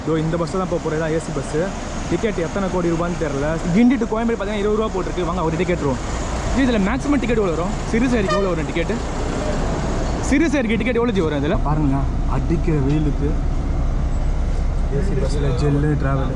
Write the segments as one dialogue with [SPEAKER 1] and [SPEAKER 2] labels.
[SPEAKER 1] இதோ இந்த பஸ்ஸில் தான் போக போகிறது, ஏசி பஸ்ஸு. டிக்கெட் எத்தனை கோடி ரூபான்னு தெரில. கிண்டி டு கோயம்பேடு பார்த்தீங்கன்னா 20 ரூபா போட்டிருக்கு. வாங்க ஒரு டிக்கெட் வரும். இதில் மேக்ஸிமம் டிக்கெட் எவ்வளோ வரும்? சிறுசேரிக்கு எவ்வளோ வரும் டிக்கெட்டு? சிறுசேரிக்கு டிக்கெட் எவ்வளோ வரும்? இதில் பாருங்களேன், அடிக்கிற வெயிலுக்கு ஏசி பஸ்ஸில் ஜெல்லு ட்ராவல்.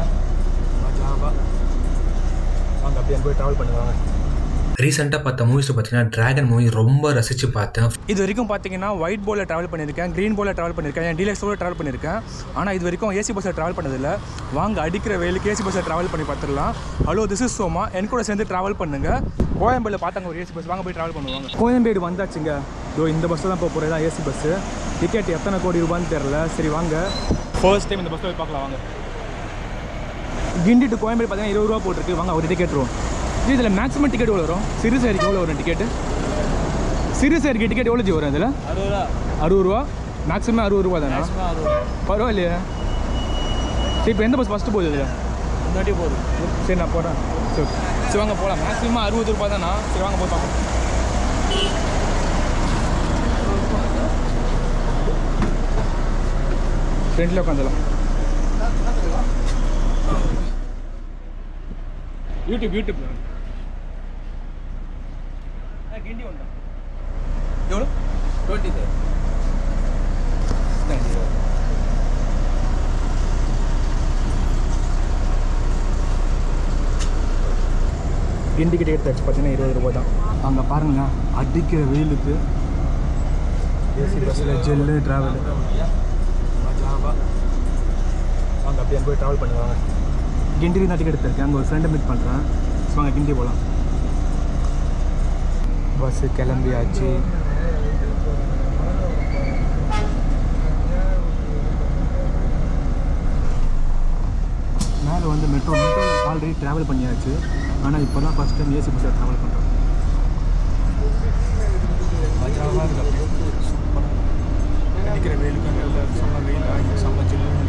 [SPEAKER 1] வாங்க அப்படியே போய் ட்ராவல் பண்ணுவாங்க.
[SPEAKER 2] ரீசெண்டாக பார்த்த மூவிஸில் பார்த்தீங்கன்னா டிராகன் மூவி ரொம்ப ரசித்து பார்த்தேன்.
[SPEAKER 1] இது வரைக்கும் பார்த்தீங்கன்னா ஒயிட் போர்டில் ட்ராவல் பண்ணியிருக்கேன், க்ரீன் போர்டில் ட்ராவல் பண்ணியிருக்கேன், என் டீலக்ஸோடு ட்ராவல் பண்ணியிருக்கேன். ஆனால் இது வரைக்கும் ஏசி பஸ்ஸில் ட்ராவல் பண்ணதில்லை. வாங்க அடிக்கிற வெயிலுக்கு ஏசி பஸ்ஸில் ட்ராவல் பண்ணி பார்த்துடலாம். Hello, this is Soma. என் கூட சேர்ந்து ட்ராவல் பண்ணுங்கள். கோயம்பேடில் பார்த்தாங்க ஒரு ஏசி பஸ், வாங்க போய் ட்ராவல் பண்ணுவாங்க. கோயம்பேடு வந்தாச்சுங்க. இதோ இந்த பஸ்ஸில் தான் போக போகிறது, ஏசி பஸ்ஸு. டிக்கெட் எத்தனை கோடி ரூபான்னு தெரில. சரி வாங்க ஃபர்ஸ்ட் டைம் இந்த பஸ்ஸில் போய் பார்க்கலாம். வாங்க. கிண்டி டு கோயம்பேடு பார்த்தீங்கன்னா 20 ரூபா போட்டிருக்கு. வாங்க ஒரு டிக்கெட் வரும். இதில் மேக்ஸிமம் டிக்கெட் எவ்வளோ வரும்? சிறுசேரிக்கு எவ்வளோ வரும் டிக்கெட்டு? சிறுசேரிக்கு டிக்கெட் எவ்வளோ வரும்? இதில் 60 ரூபா. மேக்ஸிமம் 60 ரூபா தானே? பரவாயில்லையா? சரி, இப்போ எந்த பஸ் ஃபஸ்ட்டு போகுது? இதில் முன்னாடி போகுது. சரி, நான் போகிறேன். சரி சரி வாங்க போகலாம். மேக்ஸிமம் 60 ரூபா தானா? சரி வாங்க போய் பார்ப்போம். ஃப்ரெண்டில் உட்காந்துலாம். யூடியூப் கிண்டி உண்டா? எவ்வளோ? 20 கிண்டிக்கு டிக்கெட் தச்சு பார்த்தீங்கன்னா 20 ரூபா தான். அங்கே பாருங்களேன், அடிக்கிற வெயிலுக்கு ஏசி பஸ்ஸில் ஜெல்லு ட்ராவல். வாங்க அப்படியே போய் ட்ராவல் பண்ணுவாங்க. கிண்டிக்கு தான் டிக்கெட் எடுத்திருக்கேன். அங்கே ஒரு ஃப்ரெண்டை மீட் பண்ணுறேன். ஸோ வாங்க கிண்டி போகலாம். பஸ்ஸு கிளம்பியாச்சு. மேலே வந்து மெட்ரோ ஆல்ரெடி ட்ராவல் பண்ணியாச்சு. ஆனால் இப்போ தான் ஃபஸ்ட் டைம் ஏசி பஸ்ஸில் ட்ராவல் பண்ணுறோம். மஜாவாக இருக்குது. சூப்பராக அடிக்கிற வெயிலுக்கு அங்கே செம்ம வெயிலாக இங்கே செம்ம ஜில்லுன்னு.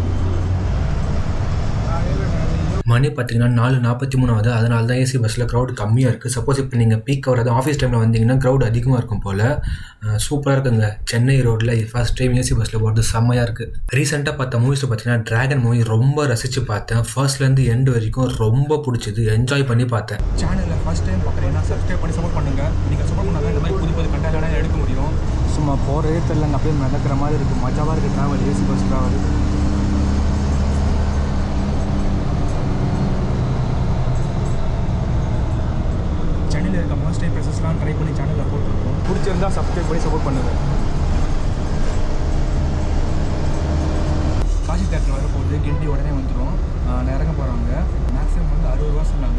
[SPEAKER 2] மணி பார்த்தீங்கன்னா 4:43 ஆகுது. அதனால தான் ஏசி பஸ்ஸில் க்ரௌட் கம்மியாக இருக்குது. சப்போஸ் இப்போ நீங்கள் பீக் வராது ஆஃபீஸ் டைமில் வந்தீங்கன்னா க்ரௌட் அதிகமாக இருக்கும் போல். சூப்பராக இருக்குங்க. சென்னை ரோட்டில் ஃபர்ஸ்ட் டைம் ஏசி பஸ்ஸில் போகிறது செம்மையாக இருக்குது. ரீசெண்டாக பார்த்த மூவிஸில் பார்த்தீங்கன்னா டிராகன் மூவி ரொம்ப ரசித்து பார்த்தேன். ஃபர்ஸ்ட்லேருந்து எண்டு வரைக்கும் ரொம்ப பிடிச்சது. என்ஜாய் பண்ணி பார்த்தேன்.
[SPEAKER 1] சேனலில் ஃபஸ்ட் டைம் பார்க்குறீங்கன்னா சப்ஸ்கிரைப் பண்ணி சப்போர்ட் பண்ணுங்கள். நீங்கள் சப்போர்ட் பண்ணால் இந்த மாதிரி புது கண்டென்ட் எடுக்க முடியும். சும்மா போகிறதே தெரியலங்க, அப்படியே மிதக்கிற மாதிரி இருக்குது. மஜாவாக இருக்குது ட்ராவல், ஏசி பஸ் ட்ராவல். சேனலில் இருக்க மோஸ்ட் டைம் ப்ரெசஸ்லாம் ட்ரை பண்ணி சேனலில் போட்டுருக்கோம். பிடிச்சிருந்தா சப்ஸ்கிரைப் பண்ணி சப்போர்ட் பண்ணுங்கள். காசி தேட்டர் வர போகுது. கிண்டி உடனே வந்துடும். நான் இறங்க போகிறாங்க. மேக்ஸிமம் வந்து 60 ரூபா சொன்னாங்க.